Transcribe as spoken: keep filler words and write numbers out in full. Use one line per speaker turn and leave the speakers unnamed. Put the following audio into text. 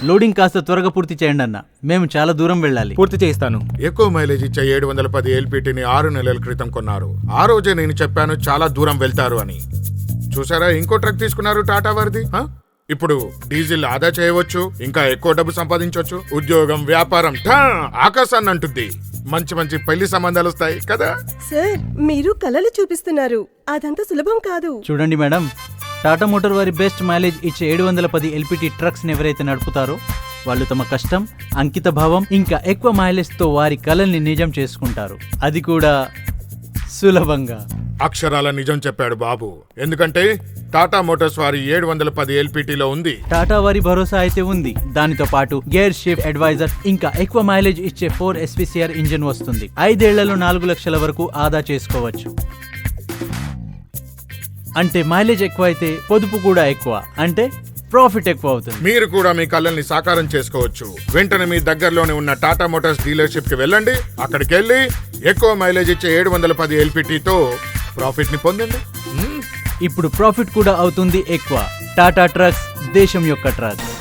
Loading కాస్త త్వరగా పూర్తి చేయండి అన్న, మేము చాలా దూరం వెళ్ళాలి.
పూర్తి చేయిస్తాను.
ఎక్కువ మైలేజ్ ఇచ్చే ఏడు వందల పది ఎల్పిటిని ఆరు నెలల క్రితం కొన్నారు. ఆ రోజే నేను చెప్పాను చాలా దూరం వెళ్తారు అని. చూసారా, ఇంకో ట్రక్ తీసుకున్నారు టాటా వారిది. ఆ? ఇప్పుడు డీజిల్ ఆదా చేయవచ్చు, ఇంకా ఎక్కువ డబ్బు సంపాదించవచ్చు. ఉద్యోగం, వ్యాపారం ఠా ఆకాశాన్ని అంటుంది. మంచి మంచి పెళ్లి సంబంధాలు వస్తాయి కదా.
సార్, మీరు కలలు చూపిస్తున్నారు, అదంతా సులభం కాదు.
చూడండి మేడం, టాటా మోటార్ వారి బెస్ట్ మైలేజ్ ఇచ్చే ఏడు వందల పది ఎల్పిటి ట్రక్స్ ని ఎవరైతే నడుపుతారో వాళ్ళు తమ కష్టం, అంకిత భావం ఇంకా ఎక్కువ మైలేజ్ తో వారి కలల్ని నిజం చేసుకుంటారు. అది కూడా సులభంగా.
అక్షరాల నిజం చెప్పాడు బాబు. ఎందుకంటే టాటా మోటార్స్ వారి ఏడు వందల పది ఎల్పిటిలో ఉంది.
టాటా వారి భరోసా అయితే ఉంది. దానితో పాటు గేర్ షిఫ్ట్ అడ్వైజర్ ఇంకా ఎక్కువ మైలేజ్ ఇచ్చే ఫోర్ ఎస్పీసీఆర్ ఇంజిన్ వస్తుంది. ఐదేళ్లలో నాలుగు లక్షల వరకు ఆదా చేసుకోవచ్చు. అంటే మైలేజ్ ఎక్కువ అయితే పొదుపు కూడా ఎక్కువ, అంటే ప్రాఫిట్ ఎక్కువ అవుతుంది.
మీరు కూడా మీ కళ్ళని సాకారం చేసుకోవచ్చు. వెంటనే మీ దగ్గరలోనే ఉన్న టాటా మోటార్స్ డీలర్షిప్ కి వెళ్ళండి. అక్కడికి వెళ్ళి ఎక్కువ మైలేజ్ ఇచ్చే ఏడు వందల పది ఎల్పిటితో ప్రాఫిట్ ని పొందండి.
ఇప్పుడు ప్రాఫిట్ కూడా అవుతుంది ఎక్కువ. టాటా ట్రక్స్, దేశం యొక్క ట్రక్.